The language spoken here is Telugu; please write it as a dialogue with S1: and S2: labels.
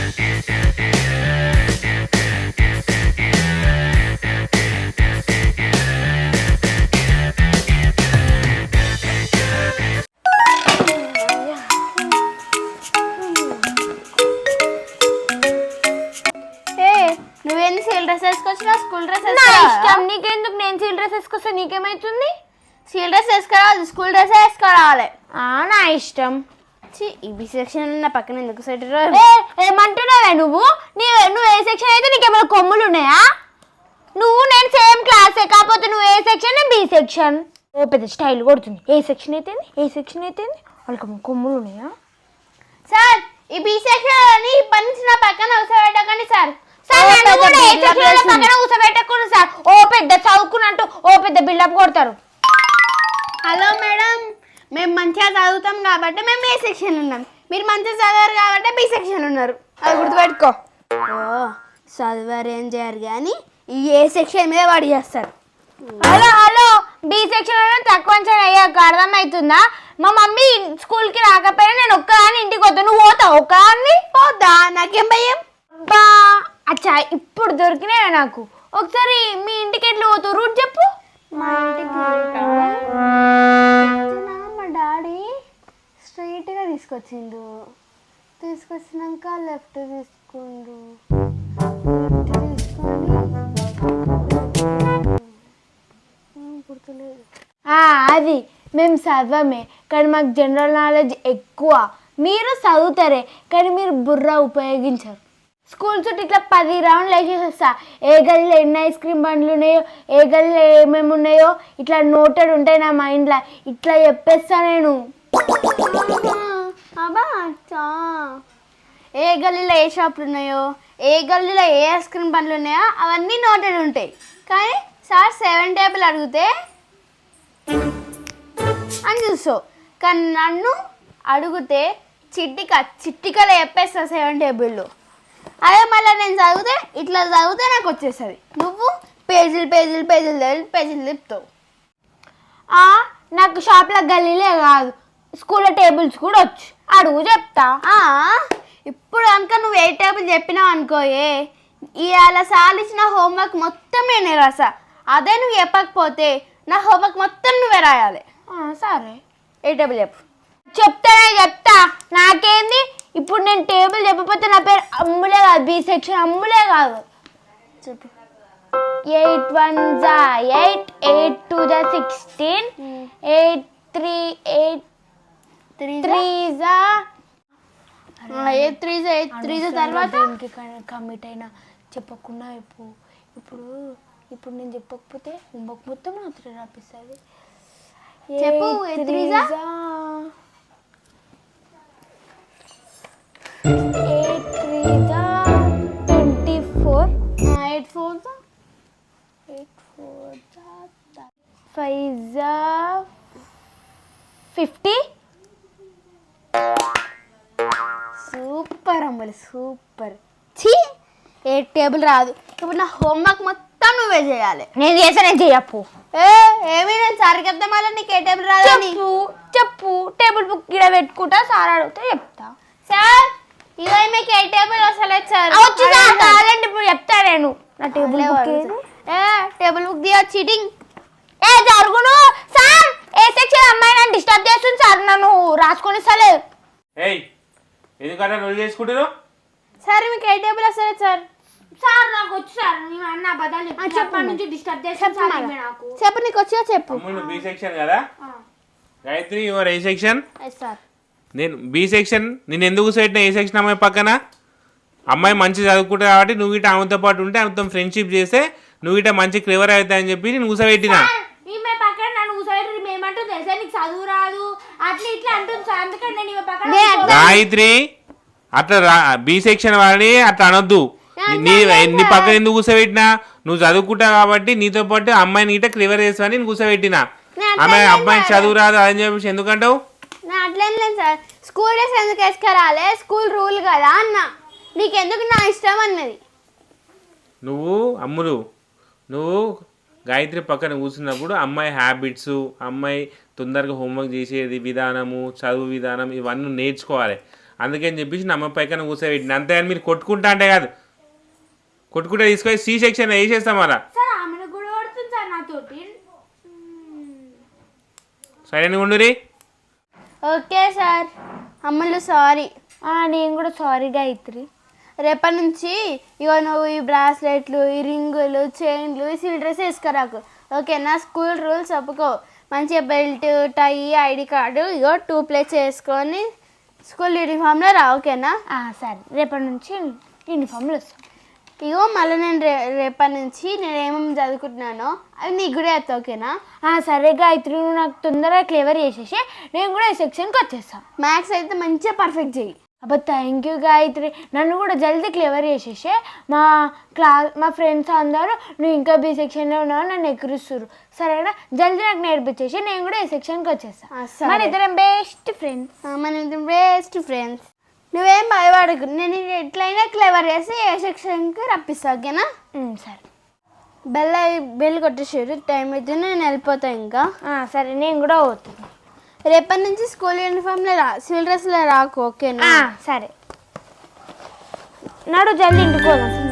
S1: నువ్వేంది సివిల్ డ్రెస్ వేసుకొచ్చినా స్కూల్ డ్రెస్
S2: ఇష్టం నీకెందుకు? నేను సివిల్ డ్రెస్ వేసుకొస్తే నీకేమైతుంది?
S1: సివిల్ డ్రెస్ వేసుకోవాలి, స్కూల్ డ్రెస్ వేసుకోవాలి.
S2: నా ఇష్టం.
S1: ఈ బి సెక్షన్ నా పక్కన ఎందుకు సెట్?
S2: ఏమంటున్నావే నువ్వు? నువ్వు ఏ సెక్షన్ అయితే నీకేమైనా కొమ్ములు ఉన్నాయా? నువ్వు నేను సేమ్ క్లాసే, కాకపోతే నువ్వు ఏ సెక్షన్ నేను బి సెక్షన్. ఓ పెద్ద స్టైల్ కొడుతుంది. ఏ సెక్షన్ అయితే వాళ్ళకి కొమ్ములు ఉన్నాయా?
S1: సార్ ఈ బి సెక్షన్ అని ఇప్పటి నుంచి నా పక్కన కూర్చోబెట్టకండి సార్.
S2: పక్కన కూర్చోబెట్టకూడదు సార్. ఓ పెద్ద చదువుకున్నట్టు ఓ పెద్ద బిల్డప్ కొడతారు.
S1: హలో మేడం, మేము మంచిగా చదువుతాం కాబట్టి మేము ఏ సెక్షన్ ఉన్నాం, మీరు మంచిగా చదవరు కాబట్టి బి సెక్షన్ ఉన్నారు. అది గుర్తుపెట్టుకో. ఓ చదివారు ఏం చేయరు కానీ ఈ ఏ సెక్షన్ మీద వాడు చేస్తారు.
S2: హలో బి సెక్షన్ తక్కువ అయ్యాక అర్థమవుతుందా? మా మమ్మీ స్కూల్కి రాకపోయినా నేను ఒక్కదాన్ని ఇంటికి వద్దా. నువ్వు పోతావు ఒక్కదాన్ని?
S1: పోతా, నాకేం భయం.
S2: బా అచ్చా ఇప్పుడు దొరికినా నాకు. ఒకసారి మీ ఇంటికి ఎట్లా పోతావు రూట్ చెప్పు.
S1: మా ఇంటికి మా డాడీ స్ట్రైట్గా తీసుకొచ్చినాక లెఫ్ట్ తీసుకుండు, గుర్తులేదు.
S2: అది మేము చదవమే కానీ మాకు జనరల్ నాలెడ్జ్ ఎక్కువ. మీరు చదువుతారే కానీ మీరు బుర్ర ఉపయోగించరు. స్కూల్ చుట్టూ ఇట్లా 10 రౌండ్లు వేసేసి వస్తా. ఏ గల్లీలో ఎన్ని ఐస్ క్రీమ్ బండ్లు ఉన్నాయో, ఏ గల్లీలో ఏమేమి ఉన్నాయో ఇట్లా నోటెడ్ ఉంటాయి నా మైండ్లో. ఇట్లా చెప్పేస్తా నేను.
S1: అబ్బా ఏ గల్లీలో ఏ షాపులు ఉన్నాయో, ఏ గల్లీలో ఏ ఐస్ క్రీమ్ బండ్లు ఉన్నాయో అవన్నీ నోటెడ్ ఉంటాయి. కానీ సార్ 7 టేబుల్ అడిగితే అని చూస్తావు, కానీ నన్ను అడిగితే చిట్టికలో చెప్పేస్తా 7 టేబుల్లో. అదే మళ్ళీ నేను ఇట్లా చదివితే నాకు వచ్చేస్తుంది. నువ్వు పేజీలు తిప్పుతావు.
S2: నాకు షాప్లో గల్లీలే కాదు స్కూల్లో టేబుల్స్ కూడా వచ్చు. అడుగు చెప్తా.
S1: ఇప్పుడు కనుక నువ్వు 8 టేబుల్ చెప్పినావు అనుకోయే, ఇవాళ సార్లు ఇచ్చిన హోంవర్క్ మొత్తం నేనే రాసా. అదే నువ్వు చెప్పకపోతే నా హోంవర్క్ మొత్తం నువ్వే రాయాలి.
S2: సరే
S1: 8 టేబుల్ చెప్పు.
S2: చెప్తా. నాకేంది ఇప్పుడు? నేను టేబుల్ చెప్పకపోతే నా పేరు అమ్ములే కాదు, బి సెక్షన్ అమ్ములే కాదు.
S1: చెప్పు.
S2: 8 1 8, 8 2 16, 8 3
S1: తర్వాత
S2: కమిట్ అయినా చెప్పకుండా ఇప్పుడు నేను చెప్పకపోతే హోంవర్క్ మొత్తం మాత్రం రాపిస్తుంది.
S1: చెప్పు.
S2: 8 3 24,
S1: 8 4
S2: 5 50.
S1: సూపర్ అమ్మలు, సూపర్. 8 టేబుల్ రాదు. ఇప్పుడు నా హోంవర్క్ మొత్తం నువ్వే చేయాలి.
S2: నేను చేసా, నేను చెయ్యప్పు.
S1: ఏమీ నేను సార్ చెప్తా మళ్ళీ నీకు 8 టేబుల్ రాదు.
S2: చెప్పు. టేబుల్ బుక్ ఇక్కడ పెట్టుకుంటా, సార్ అడిగితే చెప్తా.
S1: సార్ ఇవే మీకు 8 టేబుల్ వస్తలేదు సార్.
S2: కావాలంటే ఇప్పుడు చెప్తా నేను. నా టేబుల్
S1: టేబుల్ బుక్ దియా చీటింగ్.
S2: జరుగును సార్. ఏ సెక్షన్ అమ్మాయి నన్ను డిస్టర్బ్ చేస్తుంది సార్, నన్ను రాసుకొని ఇస్తలేదు.
S3: ఎందుకంటే నువ్వు చేసుకుంటున్నావు
S1: సార్ మీకు 8 టేబుల్ వస్తలేదు సార్.
S2: సార్ నాకు వచ్చి సార్ అన్న అబద్ధాలు చెప్పప్పటి నుంచి డిస్టర్బ్ చేస్తాను సార్. నాకు
S1: చెప్పు, నీకు వచ్చా చెప్పు.
S3: బి సెక్షన్ కదా Gayatri, your A section?
S1: Sir
S3: నేను బి సెక్షన్. నేను ఎందుకు పెట్టిన ఏ సెక్షన్ అమ్మాయి పక్కన? అమ్మాయి మంచి చదువుకుంటా కాబట్టి నువ్వు ఇట ఆమెతో పాటు ఉంటే ఆమెతో ఫ్రెండ్షిప్ చేస్తే నువ్వు ఇట మంచి క్లివర్ అవుతాయని చెప్పి నేను కూసబెట్టినా.
S2: పక్కన నన్ను కూసబెట్టి మేమంటుంది తెలుసా, నీకు చదువు రాదు అట్లా ఇట్లా అంటుంది సార్. అందుకని నేను ఈమె పక్కన.
S3: గాయత్రి అట్లా బి సెక్షన్ వాడిని అట్లా అనొద్దు. నీ పక్కన ఎందుకు కూసబెట్టినా? నువ్వు చదువుకుంటావు కాబట్టి నీతో పాటు అమ్మాయిని ఇట క్లివర్ చేస్తావని నేను కూసబెట్టినా. అమ్మాయికి చదువు రాదు అని చెప్పేసి ఎందుకంటావు?
S1: అట్లేం లేదు సార్. స్కూల్ డ్రెస్ ఎందుకు వేసుకురాలే, స్కూల్ రూల్ కదా అన్న. నీకెందుకు నా ఇష్టం అన్నది.
S3: నువ్వు గాయత్రి పక్కన కూర్చున్నప్పుడు అమ్మాయి హ్యాబిట్స్, అమ్మాయి తొందరగా హోంవర్క్ చేసేది విధానము, చదువు విధానం ఇవన్నీ నేర్చుకోవాలి. అందుకని చెప్పేసి నా అమ్మ పైకన కూర్చోబెట్టిన అంతే అని మీరు కొట్టుకుంటా అంటే కాదు కొట్టుకుంటే తీసుకొని సి సెక్షన్ వేసేస్తాం అలా
S2: సార్ ఆమెను కూడా కొడుతుంది సార్ నాతోటి.
S3: సరే ఉండురి.
S1: Okay sir. అమ్మలు సారీ.
S2: నేను కూడా సారీ గాయత్రి.
S1: రేపటి నుంచి ఇగో నువ్వు ఈ బ్రాస్లెట్లు, ఈ రింగులు, చైన్లు, ఈ సిల్ డ్రెస్ వేసుకురాకు, ఓకేనా? స్కూల్ రూల్స్ ఒప్పుకో. మంచిగా బెల్ట్, టై, ఐడి కార్డు ఇగో 2 ప్లేట్స్ వేసుకొని స్కూల్ యూనిఫామ్లో రా, ఓకేనా?
S2: సరే రేపటి నుంచి యూనిఫామ్లో వస్తాం.
S1: ఇగో మళ్ళీ నేను రేపటి నుంచి నేను ఏమేమి చదువుకుంటున్నానో అవి నీకు కూడా వేస్తా, ఓకేనా?
S2: సరే గాయత్రి, నువ్వు నాకు తొందరగా క్లియర్ చేసేసి నేను కూడా ఈ సెక్షన్కి వచ్చేస్తాను.
S1: మ్యాథ్స్ అయితే మంచిగా పర్ఫెక్ట్ చెయ్యి.
S2: అబ్బా థ్యాంక్ యూ గాయత్రి, నన్ను కూడా జల్దీ క్లియర్ చేసేసి మా ఫ్రెండ్స్ అందరూ నువ్వు ఇంకా బి సెక్షన్లో ఉన్నావు నన్ను ఎక్కిరిస్తున్నారు, సరేనా? జల్దీ నాకు నేర్పించేసి నేను కూడా ఈ సెక్షన్కి వచ్చేస్తాను. మన ఇద్దరం బెస్ట్ ఫ్రెండ్స్.
S1: మన ఇద్దరం బెస్ట్ ఫ్రెండ్స్. నువ్వేం భయపడకు, నేను ఎట్లయినా క్లెవర్ చేసి ఏ సెక్షన్కి రప్పిస్తా, ఓకేనా?
S2: సరే.
S1: బెల్ కొట్టేసారు, టైం అయితే నేను వెళ్ళిపోతా ఇంకా.
S2: సరే నేను కూడా పోతాను.
S1: రేపటి నుంచి స్కూల్ యూనిఫామ్లో రా, సివిల్ డ్రెస్లో రాకు, ఓకేనా?
S2: సరే నడు జల్దీ ఇంటికి పోదాం.